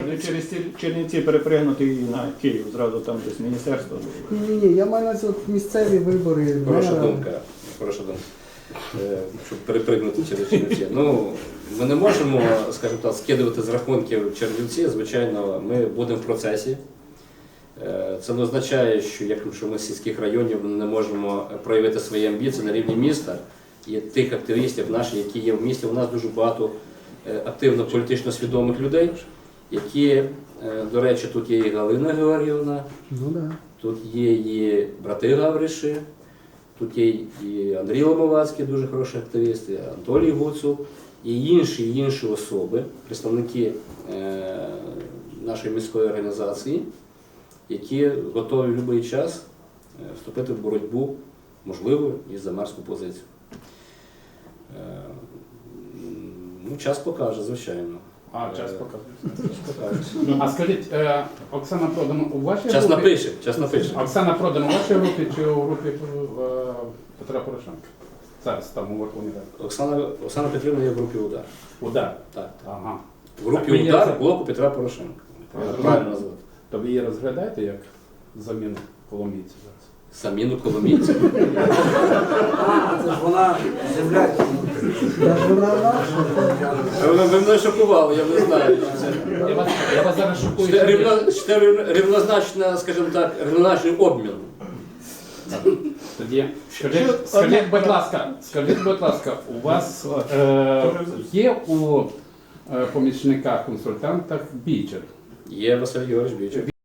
через Чернівці перепригнути і на Київ, зразу там десь міністерство. Ні, я маю на увазі от місцеві вибори. Хороша мера. думка. Хороша думка. Щоб перепригнути через Чернівці. Ну, ми не можемо, скажімо так, скидувати з рахунків Чернівці. Звичайно, ми будемо в процесі. Це не означає, що якщо ми з сільських районів не можемо проявити свої амбіції на рівні міста і тих активістів наших, які є в місті. У нас дуже багато активно політично свідомих людей, які, до речі, тут є і Галина Георгіївна, тут є і брати Гавриші, тут є і Андрій Ломовацький, дуже хороший активіст, і Анатолій Гуцул, і інші особи, представники нашої міської організації, які готові в будь-який час вступити в боротьбу, можливо, і за мерську позицію. Ну, час покаже, звичайно. Час показує. А скажіть, Оксана Продан у вашій Час групі? напише. Оксана Продан у вашій групі чи у групі Петра Порошенка? Зараз там у Верховній Раді. Оксана Петрівна є в групі «Удар». Удар? Так. Ага. В групі Так, ви є «Удар» за- блоку Петра Порошенка. Правильно назвати. То ви її розглядаєте як заміну коломійців зараз? Заміну коломійців. Це ж вона земля. Та ж вона наша. Ви мене шокували, я не знаю. Я вас зараз шокую. Це рівнозначно, скажімо так, рівнозначний обмін. Тоді скажіть, будь ласка, у вас є у помічниках-консультантах бійчер? Є Василь Георгійович Бічик.